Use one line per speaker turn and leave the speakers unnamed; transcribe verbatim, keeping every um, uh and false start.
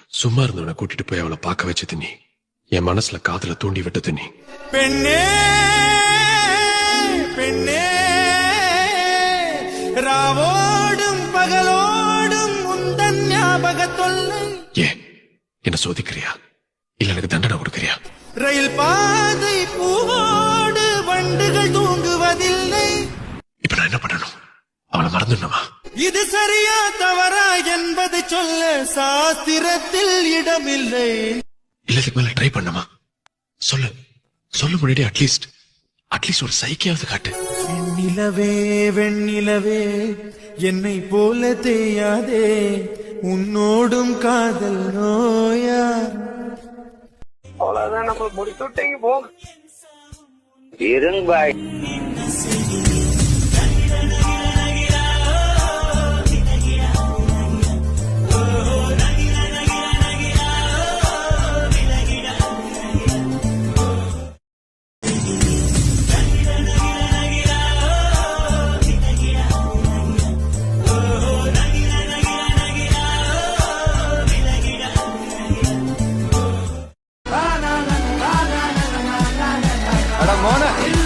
சும்மா இருந்தவனை கூட்டிட்டு போய் அவளை பார்க்க வச்சது நீ. என் மனசுல காதல தூண்டி விட்டது நீ.
பெண்ணே பெண்ணே ராவோடும் பகலோடும் உந்தன் ஞாபக தொல்லை.
ஏ என்ன சோதிக்கிறியா இல்ல எனக்கு தண்டனை கொடுக்கறியா?
ரயில் பாதை பூவோடு வண்டுகள் தூங்குவதில்லை.
இப்ப நான் என்ன பண்ணணும்? அவளை மறந்துடணுமா?
இது சரியா தவறா என்பதை சொல்ல சாஸ்திரத்தில் இடமில்லை.
இல்ல இதுக்கு மேல ட்ரை பண்ணமா? சொல்லு சொல்ல முன்னாடி அட்லீஸ்ட் அட்லீஸ்ட் ஒரு சைக்கியாவது காட்டு.
வெண்ணிலவே வெண்ணிலவே என்னை போல தேயாதே, உன்னோடும் காதல் நோயா.
அவ்வளவுதான், நம்ம முடிச்சு விட்டீங்க போங்க. இருங்க பாய்.
அட மோன